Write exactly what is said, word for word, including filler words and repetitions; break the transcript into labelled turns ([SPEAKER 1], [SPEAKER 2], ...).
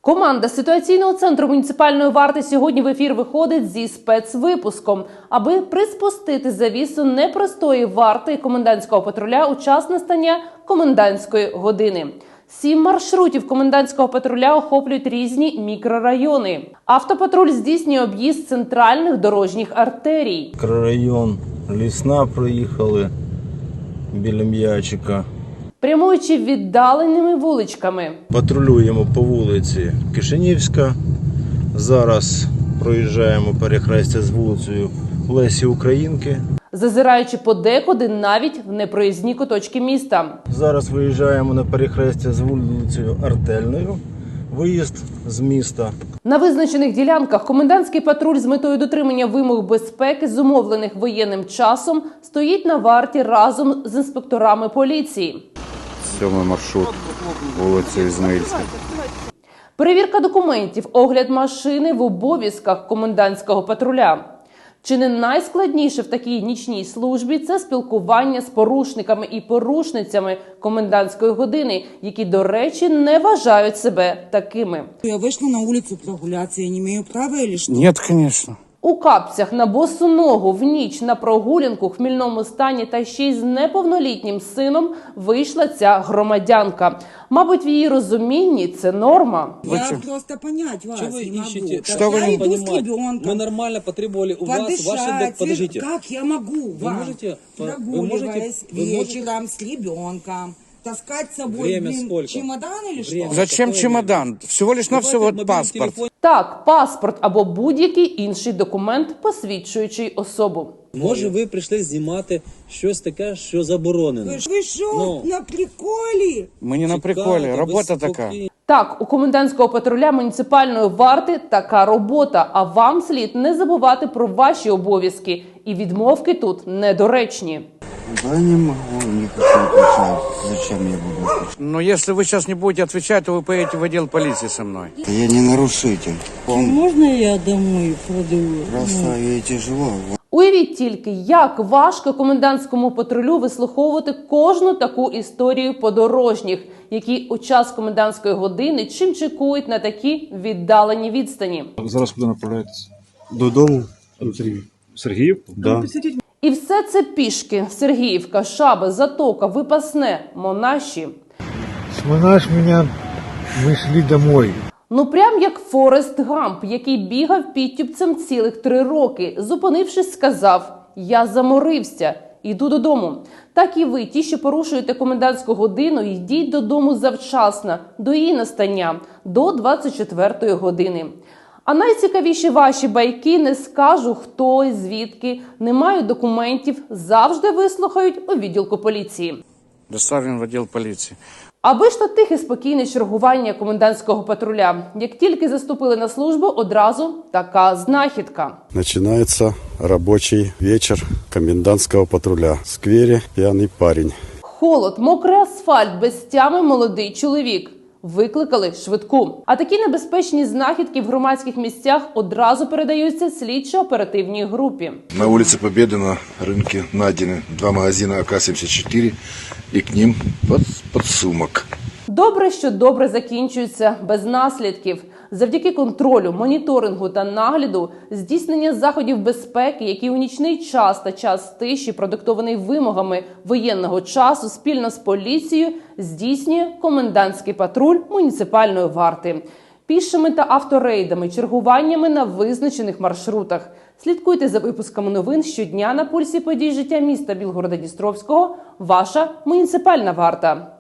[SPEAKER 1] Команда ситуаційного центру муніципальної варти сьогодні в ефір виходить зі спецвипуском, аби приспустити завісу непростої варти комендантського патруля у час настання комендантської години. Сім маршрутів комендантського патруля охоплюють різні мікрорайони. Автопатруль здійснює об'їзд центральних дорожніх артерій.
[SPEAKER 2] Мікрорайон Лісна проїхали біля М'ячика.
[SPEAKER 1] Прямуючи віддаленими вуличками.
[SPEAKER 2] Патрулюємо по вулиці Кишинівська. Зараз проїжджаємо перехрестя з вулицею Лесі Українки.
[SPEAKER 1] Зазираючи подекуди навіть в непроїзні куточки міста.
[SPEAKER 2] Зараз виїжджаємо на перехрестя з вулицею Артельною. Виїзд з міста.
[SPEAKER 1] На визначених ділянках комендантський патруль з метою дотримання вимог безпеки, зумовлених воєнним часом, стоїть на варті разом з інспекторами поліції.
[SPEAKER 3] Сьомий маршрут, вулиця Ізмаїльська.
[SPEAKER 1] Перевірка документів, огляд машини в обов'язках комендантського патруля. Чи не найскладніше в такій нічній службі – це спілкування з порушниками і порушницями комендантської години, які, до речі, не вважають себе такими.
[SPEAKER 4] Я вийшла на вулицю прогулятися, я не маю права чи що?
[SPEAKER 3] Ні, звісно.
[SPEAKER 1] У капцях на босу ногу в ніч на прогулянку в хмільному стані та ще й з неповнолітнім сином вийшла ця громадянка. Мабуть, в її розумінні це норма.
[SPEAKER 4] Я просто понять вас
[SPEAKER 5] Что вы
[SPEAKER 4] не
[SPEAKER 5] ищете?
[SPEAKER 4] могу.
[SPEAKER 3] Что вы
[SPEAKER 4] я
[SPEAKER 3] не
[SPEAKER 4] иду с
[SPEAKER 5] понимаете?
[SPEAKER 4] ребенком.
[SPEAKER 5] Мы нормально потребовали у вас
[SPEAKER 4] Подышать.
[SPEAKER 5] ваши... док- Подождите.
[SPEAKER 4] Как я могу
[SPEAKER 5] Вы
[SPEAKER 4] вам,
[SPEAKER 5] можете, вы
[SPEAKER 4] прогуливаясь
[SPEAKER 5] можете, вы можете-
[SPEAKER 4] вечером с ребенком, таскать с собой
[SPEAKER 5] Время
[SPEAKER 4] блин,
[SPEAKER 5] сколько?
[SPEAKER 4] чемодан или
[SPEAKER 5] Время.
[SPEAKER 4] что?
[SPEAKER 3] Зачем
[SPEAKER 5] Какое
[SPEAKER 3] чемодан? Всего лишь навсего
[SPEAKER 5] Давайте
[SPEAKER 3] вот
[SPEAKER 5] мобильный
[SPEAKER 3] паспорт.
[SPEAKER 5] телефон.
[SPEAKER 1] Так, паспорт або будь-який інший документ, посвідчуючий особу.
[SPEAKER 5] Може, ви прийшли знімати щось таке, що заборонено.
[SPEAKER 4] Вы, ж- вы что,
[SPEAKER 5] Ну.
[SPEAKER 4] на приколе?
[SPEAKER 3] Мы не на приколе,
[SPEAKER 5] Чекайте,
[SPEAKER 3] робота
[SPEAKER 5] ви
[SPEAKER 3] така.
[SPEAKER 5] спокійно.
[SPEAKER 1] Так, у комендантського патруля муніципальної варти така робота, а вам слід не забувати про ваші обов'язки. І відмовки тут недоречні.
[SPEAKER 6] Да не могу, не хочу отвечать. Зачем я буду отвечать?
[SPEAKER 3] Но если вы сейчас не будете отвечать, то вы поедете в отдел полиции со мной.
[SPEAKER 6] Да я не нарушитель. Пом-
[SPEAKER 7] Можно я домой пройду?
[SPEAKER 6] Просто ей тяжело.
[SPEAKER 1] Уявіть тільки, як важко комендантському патрулю вислуховувати кожну таку історію подорожніх, які у час комендантської години чим чекують на такі віддалені відстані.
[SPEAKER 8] Зараз куди направляєтесь? Додому. Сергіїв. Сергіївку? Да.
[SPEAKER 1] І все це пішки. Сергіївка, Шаби, Затока, Випасне, Монаші.
[SPEAKER 9] Смонаш меня, мы шли домой.
[SPEAKER 1] Ну прям як Форест Гамп, який бігав підтюпцем цілих три роки. Зупинившись, сказав: «Я заморився, іду додому». Так і ви, ті, що порушуєте комендантську годину, йдіть додому завчасно, до її настання, до двадцять четвертої години. А найцікавіші ваші байки, не скажу хто і звідки, не мають документів, завжди вислухають у відділку поліції.
[SPEAKER 3] Доставлен в отдел полиции.
[SPEAKER 1] Аби ж то тихе спокійне чергування комендантського патруля. Як тільки заступили на службу, одразу така знахідка.
[SPEAKER 10] Начинается рабочий вечер комендантского патруля. В сквере пьяный парень.
[SPEAKER 1] Холод, мокрий асфальт, без тями молодий чоловік. Викликали швидку. А такі небезпечні знахідки в громадських місцях одразу передаються слідчо-оперативній групі.
[SPEAKER 11] На улице Победы на рынке найдены два магазина А К семьдесят четыре и к ним под, подсумок.
[SPEAKER 1] Добре, що добре закінчується без наслідків. Завдяки контролю, моніторингу та нагляду, здійснення заходів безпеки, які у нічний час та час тиші, продиктований вимогами воєнного часу, спільно з поліцією здійснює комендантський патруль муніципальної варти. Пішими та авторейдами, чергуваннями на визначених маршрутах. Слідкуйте за випусками новин щодня на пульсі подій життя міста Білгорода-Дністровського. Ваша муніципальна варта.